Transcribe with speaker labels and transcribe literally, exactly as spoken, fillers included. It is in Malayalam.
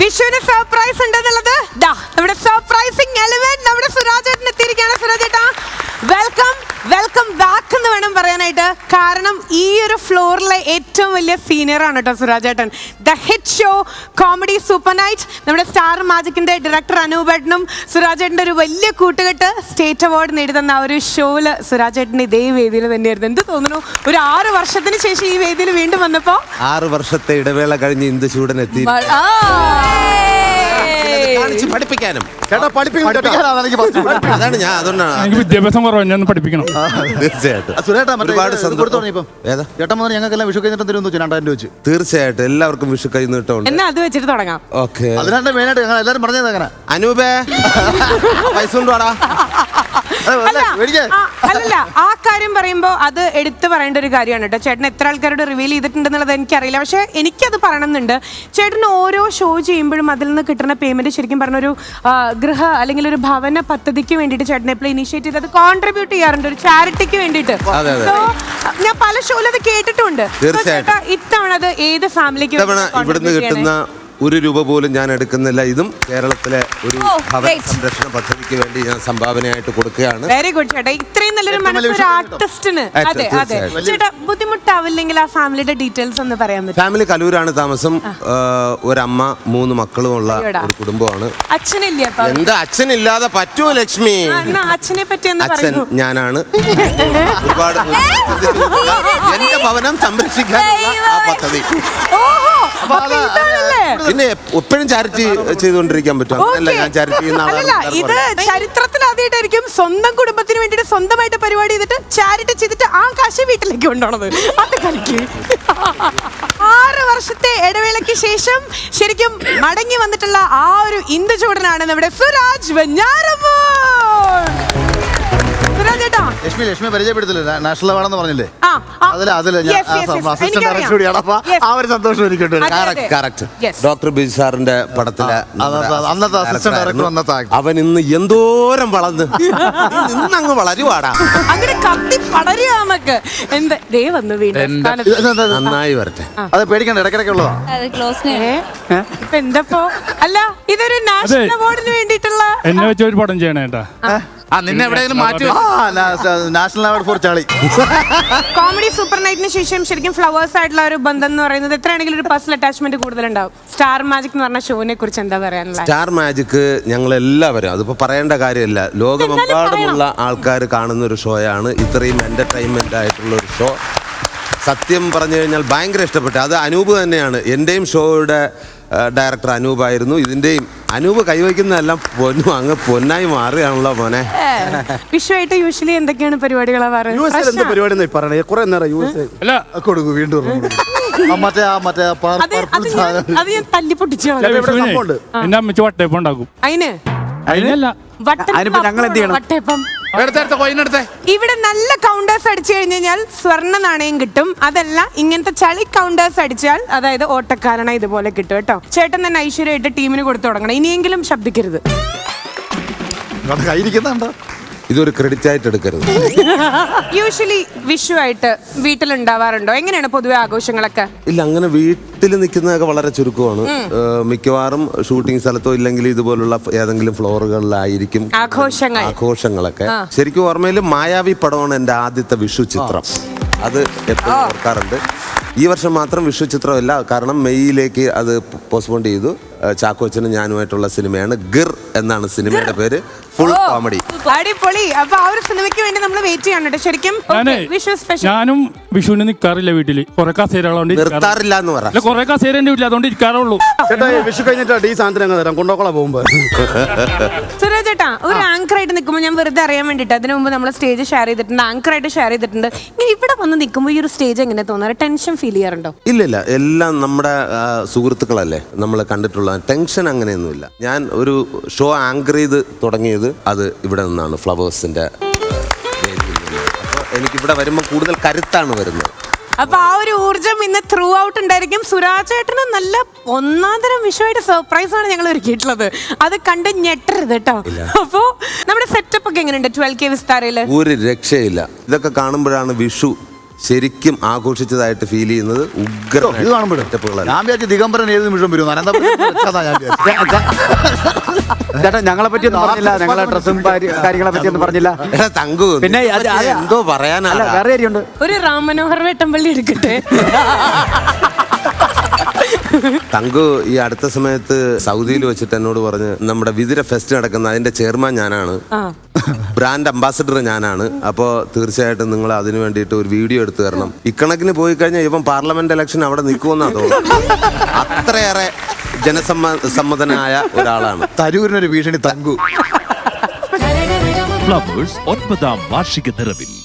Speaker 1: വിഷുവിന് സർപ്രൈസ് ഉണ്ടെന്നുള്ളത് നമ്മുടെ സർപ്രൈസിംഗ് എലിമെന്റ് നമ്മുടെ സുരാജേട്ടൻ എത്തിയിരിക്കുകയാണ്. സുരാജേട്ടാ വെൽക്കം വെൽക്കം ബാക്ക് എന്ന് വേണം പറയാനായിട്ട്. കാരണം ഈ ഒരു ഫ്ലോറിലെ ഏറ്റവും വലിയ സീനിയർ ആണ് കേട്ടോ സുരാജേട്ടൻ. The hit show comedy super night നമ്മുടെ സ്റ്റാർ മാജിക്കിന്റെ ഡയറക്ടർ അനൂപേട്ടനും സുരാജേട്ടൻ്റെ ഒരു വലിയ കൂട്ടുകെട്ട് സ്റ്റേറ്റ് അവാർഡ് നേടിത്തന്ന ആ ഒരു ഷോയില് സുരാജേട്ടൻ്റെ ഇതേ വേദിയിൽ തന്നെയായിരുന്നു. എന്ത് തോന്നുന്നു ഒരു ആറ് വർഷത്തിന് ശേഷം ഈ വേദിയിൽ വീണ്ടും വന്നപ്പോ?
Speaker 2: ആറ് വർഷത്തെ ഇടവേള കഴിഞ്ഞ് ഇന്ദു ചൂടൻ എത്തി. പഠിപ്പിക്കാനും അതാണ് ഞാൻ അതുകൊണ്ടാണ്
Speaker 3: വിദ്യാഭ്യാസം കുറവാണ്, ഞാൻ പഠിപ്പിക്കണം.
Speaker 2: തീർച്ചയായിട്ടും എല്ലാവർക്കും വിഷു കൈ നീട്ടം.
Speaker 1: എന്നാ അത് വെച്ചിട്ട് തുടങ്ങാം.
Speaker 2: ഓക്കെ,
Speaker 4: അനൂപേ
Speaker 2: പൈസ കൊണ്ടുവാടാ.
Speaker 1: അല്ലല്ല, ആ കാര്യം പറയുമ്പോ അത് എടുത്തു പറയേണ്ട ഒരു കാര്യമാണ് കേട്ടോ. ചേട്ടൻ എത്ര ആൾക്കാരോട് റിവീൽ ചെയ്തിട്ടുണ്ടെന്നുള്ളത് എനിക്കറിയില്ല, പക്ഷെ എനിക്കത് പറയണമെന്നുണ്ട്. ചേട്ടൻ ഓരോ ഷോ ചെയ്യുമ്പോഴും അതിൽ നിന്ന് കിട്ടുന്ന പേയ്മെന്റ് ശരിക്കും പറഞ്ഞൊരു ഗൃഹ അല്ലെങ്കിൽ ഒരു ഭവന പദ്ധതിക്ക് വേണ്ടിയിട്ട് ചേട്ടൻ എപ്പോഴും ഇനിഷ്യേറ്റ് ചെയ്ത് അത് കോൺട്രിബ്യൂട്ട് ചെയ്യാറുണ്ട്, ഒരു ചാരിറ്റിക്ക് വേണ്ടിയിട്ട്. സോ ഞാൻ പല ഷോയിൽ അത് കേട്ടിട്ടുണ്ട്. ഇത്തവണ അത് ഏത് ഫാമിലിക്ക്
Speaker 2: ഇവിടുന്ന് കിട്ടുന്ന ഒരു രൂപ പോലും ഞാൻ എടുക്കുന്നില്ല. ഇതും കേരളത്തിലെ ഒരു ഭവന സംരക്ഷണ പദ്ധതിക്ക് വേണ്ടി ഞാൻ സംഭാവനയായിട്ട് കൊടുക്കുകയാണ്.
Speaker 1: വെരി ഗുഡ് ചേട്ടാ, ഇത്രയും നല്ലൊരു മനസ്സൊരു ആർട്ടിസ്റ്റിന്. അതെ അതെ ചേട്ടാ, ബുദ്ധിമുട്ടാവില്ലെങ്കിൽ ആ ഫാമിലിയുടെ ഡീറ്റെയിൽസ് ഒന്ന് പറയാൻ പറ്റും?
Speaker 2: ഫാമിലി കലൂരാണ് താമസം. ഒരമ്മ മൂന്ന് മക്കളും ഉള്ള ഒരു കുടുംബമാണ്.
Speaker 1: അച്ഛനില്ല?
Speaker 2: എന്താ അച്ഛനില്ലാതെ പറ്റുമോ ലക്ഷ്മി?
Speaker 1: അച്ഛനെ പറ്റി
Speaker 2: അച്ഛൻ ഞാനാണ്. ഒരുപാട് എന്റെ ഭവനം സംരക്ഷിക്കാനുള്ള ആ പദ്ധതി പിന്നെ എപ്പോഴും ചാരിറ്റി ചെയ്തുകൊണ്ടിരിക്കാൻ പറ്റും. അല്ല, ഞാൻ ചാരിറ്റി ചെയ്യുന്ന ആളാണ്.
Speaker 1: ഇത് ചരിത്രത്തിൽ ആദ്യമായിട്ടായിരിക്കും സ്വന്തം കുടുംബത്തിന് വേണ്ടിയിട്ട് സ്വന്തമായിട്ട് പരിപാടി ചെയ്തിട്ട് ചാരിറ്റി ചെയ്തിട്ട് ആ കാശ് വീട്ടിലേക്ക് കൊണ്ടുപോണത്. അത് കളിക്ക്. ആറ് വർഷത്തെ ഇടവേളയ്ക്ക് ശേഷം ശരിക്കും മടങ്ങി വന്നിട്ടുള്ള ആ ഒരു ഇന്ദു ചൂടനാണ് നമ്മുടെ സുരാജ് വെഞ്ഞാറമ്മൂർ.
Speaker 4: ലക്ഷ്മി ലക്ഷ്മി പരിചയപ്പെടുത്തില്ല, നാഷണൽ അവാർഡെന്ന് പറഞ്ഞില്ലേ?
Speaker 2: ഡോക്ടർ ബിജു സാറിന്റെ പടത്തിലെ
Speaker 4: അന്നത്തെ അസിസ്റ്റന്റ് ഡയറക്ടർ അന്നത്തെ
Speaker 2: അവൻ ഇന്ന് എന്തോരം വളർന്ന് ഇന്നങ്ങ് വളരുവാടാ.
Speaker 1: അങ്ങനെ കത്തി പടരുക നമുക്ക്. എന്ത് ദേ വന്നു വീണ്ടും.
Speaker 2: നന്നായി വരട്ടെ.
Speaker 4: അത് പേടിക്കണ്ട, ഇടയ്ക്കിടയ്ക്ക് ഉള്ളതാ.
Speaker 1: ഇപ്പൊ എന്തപ്പോ അല്ല, ഇതൊരു നാഷണൽ അവാർഡിന് വേണ്ടിയിട്ടുള്ള
Speaker 3: എന്നെ വെച്ച ഒരു പടം ചെയ്യണേ കേട്ടാ.
Speaker 4: നിന്നെ എവിടെയെങ്കിലും മാറ്റി national award for Charlie.
Speaker 1: Comedy super നൈറ്റിന് ശേഷം ശരിക്കും ഫ്ലവേഴ്സ് ആയിട്ടുള്ള ഒരു ബന്ധം എന്ന് പറയുന്നത് എത്രയാണെങ്കിലും ഒരു പേഴ്സണൽ അറ്റാച്ച്മെന്റ് കൂടുതലുണ്ടാവും. സ്റ്റാർ മാജിക് എന്ന് പറഞ്ഞ ഷോനെ കുറിച്ച് എന്താ പറയാനുള്ളത്?
Speaker 2: സ്റ്റാർ മാജിക് ഞങ്ങൾ എല്ലാവരും, അതിപ്പോ പറയേണ്ട കാര്യമില്ല, ലോകമെമ്പാടുമുള്ള ആൾക്കാർ കാണുന്ന ഒരു ഷോയാണ്. ഇത്രയും എന്റർടൈൻമെന്റ് ആയിട്ടുള്ള ഒരു ഷോ സത്യം പറഞ്ഞു കഴിഞ്ഞാൽ ഭയങ്കര ഇഷ്ടപ്പെട്ടു. അത് അനൂപ് തന്നെയാണ്. എൻ്റെയും ഷോയുടെ ഡയറക്ടർ അനൂപായിരുന്നു. ഇതിന്റെയും അനൂപ് കൈവയ്ക്കുന്നതെല്ലാം പൊന്നു അങ്ങ് പൊന്നായി മാറുകയാണല്ലോ മോനെ.
Speaker 1: വിഷുവായിട്ട് യൂഷ്വലി എന്തൊക്കെയാണ് പരിപാടികളാ
Speaker 3: എന്റെ അമ്മച്ച് വട്ടയപ്പം ഉണ്ടാക്കും.
Speaker 1: അതിന്
Speaker 3: അതിനല്ല
Speaker 1: വട്ടയപ്പം ഇവിടെ നല്ല കൗണ്ടേഴ്സ് അടിച്ചു കഴിഞ്ഞാൽ സ്വർണ്ണ നാണയം കിട്ടും. അതല്ല, ഇങ്ങനത്തെ ചളി കൗണ്ടേഴ്സ് അടിച്ചാൽ അതായത് ഓട്ടക്കാരണ ഇതുപോലെ കിട്ടും കേട്ടോ. ചേട്ടൻ തന്നെ ഐശ്വര്യമായിട്ട് ടീമിന് കൊടുത്തു തുടങ്ങണം. ഇനിയെങ്കിലും ശബ്ദിക്കരുത്.
Speaker 2: ഇതൊരു ക്രെഡിറ്റ് ആയിട്ട് എടുക്കരുത്.
Speaker 1: യൂഷ്വലി വിഷു ആയിട്ട് വീട്ടിലുണ്ടാവാറുണ്ടോ? എങ്ങനെയാണ് പൊതുവെ ആഘോഷങ്ങളൊക്കെ?
Speaker 2: ഇല്ല, അങ്ങനെ വീട്ടിൽ നിൽക്കുന്നതൊക്കെ വളരെ ചുരുക്കമാണ്. മിക്കവാറും ഷൂട്ടിംഗ് സ്ഥലത്തോ ഇല്ലെങ്കിൽ ഇതുപോലുള്ള ഏതെങ്കിലും ഫ്ലോറുകളിലായിരിക്കും
Speaker 1: ആഘോഷങ്ങൾ
Speaker 2: ആഘോഷങ്ങളൊക്കെ. ശരിക്കും ഓർമ്മയിൽ മായാവി പടമാണ് എൻ്റെ ആദ്യത്തെ വിഷു ചിത്രം. അത് എപ്പോഴും ഓർക്കാറുണ്ട്. ഈ വർഷം മാത്രം വിഷു ചിത്രമല്ല, കാരണം മെയ്യിലേക്ക് അത് പോസ്റ്റ്പോൺ ചെയ്തു. ചാക്കോച്ചനും ഞാനുമായിട്ടുള്ള സിനിമയാണ് ഗിർ എന്നാണ് സിനിമയുടെ പേര്. ഫുൾ കോമഡി,
Speaker 1: അടിപൊളി. അപ്പൊ ആ ഒരു സിനിമയ്ക്ക് വേണ്ടി നമ്മൾ വെയിറ്റ് ചെയ്യണം ശരിക്കും. വിഷു സ്പെഷ്യൽ.
Speaker 3: ഞാനും വിഷുവിന് നിൽക്കാറില്ല വീട്ടില്. കുറെ കസേരകളുണ്ട്,
Speaker 2: നിർത്താറില്ല എന്ന് പറയാം.
Speaker 3: കുറെ കസേര എന്റെ വീട്ടിൽ, അതുകൊണ്ട് ഇരിക്കാറുള്ളൂ.
Speaker 4: വിഷു കഴിഞ്ഞിട്ട് ഈ സാധനം തരാം കൊണ്ടോക്കോളാ പോകുമ്പോ.
Speaker 1: സുരാജ് ചേട്ടാ, ഒരു ആങ്കർ ആയിട്ട് നിൽക്കുമ്പോൾ ഞാൻ വെറുതെ അറിയാൻ വേണ്ടിട്ട് അതിനു മുമ്പ് നമ്മൾ സ്റ്റേജ് ഷെയർ ചെയ്തിട്ടുണ്ട്, ആങ്കർ ആയിട്ട് ഷെയർ ചെയ്തിട്ടുണ്ട്. ഇങ്ങനെ ഇവിടെ വന്ന് നിൽക്കുമ്പോൾ ഈ ഒരു സ്റ്റേജ് എങ്ങനെ തോന്നാറ്? ടെൻഷൻ ഫീൽ ചെയ്യാറുണ്ടോ?
Speaker 2: ഇല്ല ഇല്ല, എല്ലാം നമ്മുടെ സുഹൃത്തുക്കളല്ലേ, നമ്മൾ കണ്ടിട്ടുള്ള ടെൻഷൻ അങ്ങനെയൊന്നുമില്ല. ഞാൻ ഒരു ഷോ ആങ്കർ ചെയ്ത് തുടങ്ങിയത് അത് ഇവിടെ നിന്നാണ്, ഫ്ലവേഴ്സിന്റെ വേദിയിൽ നിന്ന്. അപ്പോൾ എനിക്കിവിടെ വരുമ്പോൾ കൂടുതൽ കരുത്താണ് വരുന്നത്.
Speaker 1: അപ്പൊ ആ ഒരു ഊർജം ഇന്ന് ത്രൂ ഔട്ട് ഉണ്ടായിരിക്കും. സുരാജ് ചേട്ടന് നല്ല ഒന്നാം തരം വിഷയമായിട്ട് സർപ്രൈസ് ആണ് ഞങ്ങൾ ഒരുക്കിയിട്ടുള്ളത്. അത് കണ്ട് ഞെട്ടരുത് കേട്ടോ. അപ്പോ നമ്മുടെ സെറ്റപ്പ് ഒക്കെ എങ്ങനെയുണ്ട് ട്വൽവ് കെ വിസ്താരയില്?
Speaker 2: ഒരു രക്ഷയില്ല. ഇതൊക്കെ കാണുമ്പോഴാണ് വിഷു ശരിക്കും ആഘോഷിച്ചതായിട്ട് ഫീൽ ചെയ്യുന്നത് ഉഗ്ര
Speaker 4: ഇത് കാണുമ്പോഴും ഞാൻ വിചാരിച്ചു ദിഗംബരൻ ഏത് നിമിഷം വരും അനന്തപുരം ഞാൻ വിചാരിച്ചു.
Speaker 5: ചേട്ടാ ഞങ്ങളെ പറ്റിയൊന്നും പറഞ്ഞില്ല, ഞങ്ങളെ ഡ്രസ്സും കാര്യങ്ങളെ പറ്റിയൊന്നും പറഞ്ഞില്ല.
Speaker 2: എടാ തങ്കു,
Speaker 5: പിന്നെ അത്
Speaker 2: നിന്നെ പറ്റി
Speaker 5: അത്
Speaker 2: എന്തോ
Speaker 5: അല്ല
Speaker 2: പറയാനാണ്.
Speaker 5: വേറെ കാര്യമുണ്ട്.
Speaker 1: ഒരു റാം മനോഹർ വേട്ടമ്പള്ളി എടുക്കട്ടെ.
Speaker 2: തങ്കു ഈ അടുത്ത സമയത്ത് സൗദിയിൽ വെച്ചിട്ട് എന്നോട് പറഞ്ഞ് നമ്മുടെ വിതിര ഫെസ്റ്റ് നടക്കുന്ന അതിന്റെ ചെയർമാൻ ഞാനാണ്, ബ്രാൻഡ് അംബാസഡർ ഞാനാണ്, അപ്പോൾ തീർച്ചയായിട്ടും നിങ്ങൾ അതിന് വേണ്ടിയിട്ട് ഒരു വീഡിയോ എടുത്തു തരണം. ഇക്കണക്കിന് പോയി കഴിഞ്ഞാൽ ഇവൻ പാർലമെന്റ് ഇലക്ഷൻ അവിടെ നിൽക്കുമെന്നാ തോന്നുന്നു. അത്രയേറെ ജനസമ്മ സമ്മതനായ ഒരാളാണ്.
Speaker 4: തരൂരിനൊരു ഭീഷണി തങ്കു.
Speaker 6: ഫ്ലവേഴ്സ് ഒൻപതാം വാർഷിക നിറവിൽ